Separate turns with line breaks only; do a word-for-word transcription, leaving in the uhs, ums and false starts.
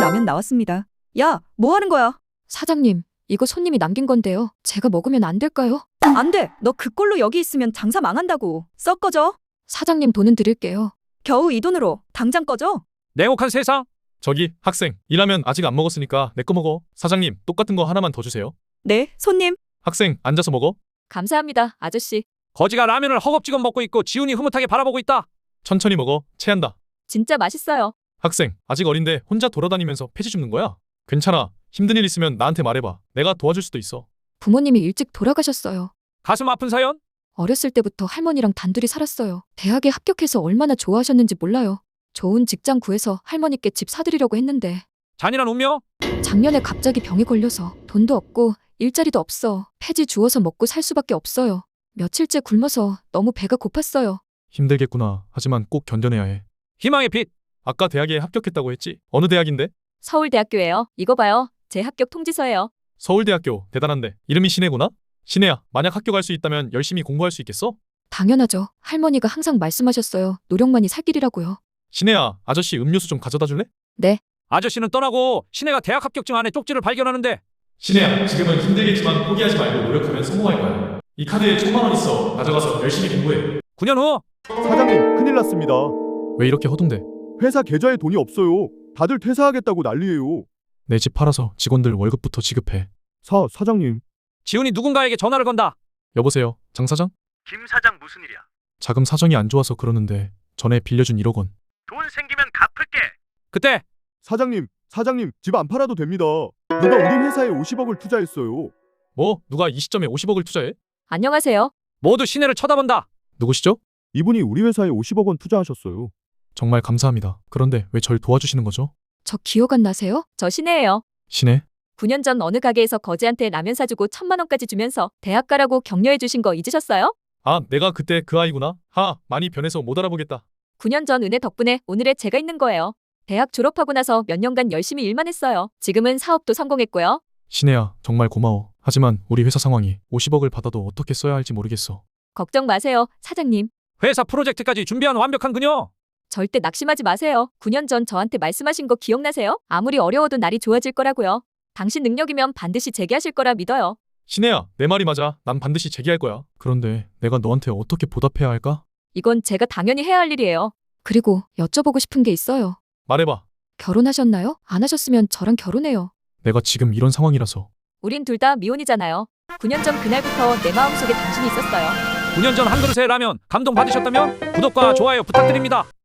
라면 나왔습니다. 야, 뭐 하는 거야?
사장님, 이거 손님이 남긴 건데요. 제가 먹으면 안 될까요?
안 돼. 너 그꼴로 여기 있으면 장사 망한다고. 썩 꺼져.
사장님, 돈은 드릴게요.
겨우 이 돈으로 당장 꺼져.
냉혹한 세상. 저기 학생, 이 라면 아직 안 먹었으니까 내 거 먹어. 사장님, 똑같은 거 하나만 더 주세요.
네, 손님.
학생, 앉아서 먹어.
감사합니다, 아저씨.
거지가 라면을 허겁지겁 먹고 있고 지훈이 흐뭇하게 바라보고 있다. 천천히 먹어. 체한다.
진짜 맛있어요.
학생, 아직 어린데 혼자 돌아다니면서 폐지 줍는 거야? 괜찮아. 힘든 일 있으면 나한테 말해봐. 내가 도와줄 수도 있어.
부모님이 일찍 돌아가셨어요.
가슴 아픈 사연?
어렸을 때부터 할머니랑 단둘이 살았어요. 대학에 합격해서 얼마나 좋아하셨는지 몰라요. 좋은 직장 구해서 할머니께 집 사드리려고 했는데
잔인한 운명?
작년에 갑자기 병에 걸려서 돈도 없고 일자리도 없어. 폐지 주워서 먹고 살 수밖에 없어요. 며칠째 굶어서 너무 배가 고팠어요.
힘들겠구나. 하지만 꼭 견뎌내야 해. 희망의 빛. 아까 대학에 합격했다고 했지? 어느 대학인데?
서울대학교예요. 이거 봐요. 제 합격 통지서예요.
서울대학교. 대단한데. 이름이 신혜구나? 신혜야, 만약 합격할 수 있다면 열심히 공부할 수 있겠어?
당연하죠. 할머니가 항상 말씀하셨어요. 노력만이 살 길이라고요.
신혜야, 아저씨 음료수 좀 가져다 줄래?
네.
아저씨는 떠나고 신혜가 대학 합격증 안에 쪽지를 발견하는데. 신혜야, 지금은 힘들겠지만 포기하지 말고 노력하면 성공할 거야. 이 카드에 천만 원 있어. 가져가서 열심히 공부해. 구 년 후.
사장님, 큰일 났습니다.
왜 이렇게 허둥대?
회사 계좌에 돈이 없어요. 다들 퇴사하겠다고 난리예요.
내 집 팔아서 직원들 월급부터 지급해.
사, 사장님.
지훈이 누군가에게 전화를 건다. 여보세요, 장 사장?
김 사장 무슨 일이야?
자금 사정이 안 좋아서 그러는데 전에 빌려준 일억 원.
돈 생기면 갚을게.
그때
사장님, 사장님, 집 안 팔아도 됩니다. 누가 우리 회사에 오십억을 투자했어요.
뭐? 누가 이 시점에 오십억을 투자해?
안녕하세요.
모두 신혜를 쳐다본다. 누구시죠?
이분이 우리 회사에 오십억 원 투자하셨어요.
정말 감사합니다. 그런데 왜 절 도와주시는 거죠?
저 기억 안 나세요? 저 신혜예요.
신혜?
구 년 전 어느 가게에서 거지한테 라면 사주고 천만 원까지 주면서 대학 가라고 격려해 주신 거 잊으셨어요?
아, 내가 그때 그 아이구나. 하, 많이 변해서 못 알아보겠다.
구 년 전 은혜 덕분에 오늘의 제가 있는 거예요. 대학 졸업하고 나서 몇 년간 열심히 일만 했어요. 지금은 사업도 성공했고요.
신혜야, 정말 고마워. 하지만 우리 회사 상황이 오십억을 받아도 어떻게 써야 할지 모르겠어.
걱정 마세요, 사장님.
회사 프로젝트까지 준비한 완벽한 그녀.
절대 낙심하지 마세요. 구 년 전 저한테 말씀하신 거 기억나세요? 아무리 어려워도 날이 좋아질 거라고요. 당신 능력이면 반드시 재기하실 거라 믿어요.
신혜야, 내 말이 맞아. 난 반드시 재기할 거야. 그런데 내가 너한테 어떻게 보답해야 할까?
이건 제가 당연히 해야 할 일이에요. 그리고 여쭤보고 싶은 게 있어요.
말해봐.
결혼하셨나요? 안 하셨으면 저랑 결혼해요.
내가 지금 이런 상황이라서.
우린 둘 다 미혼이잖아요. 구 년 전 그날부터 내 마음속에 당신이 있었어요.
구 년 전 한 그릇의 라면 감동 받으셨다면 구독과 좋아요 부탁드립니다.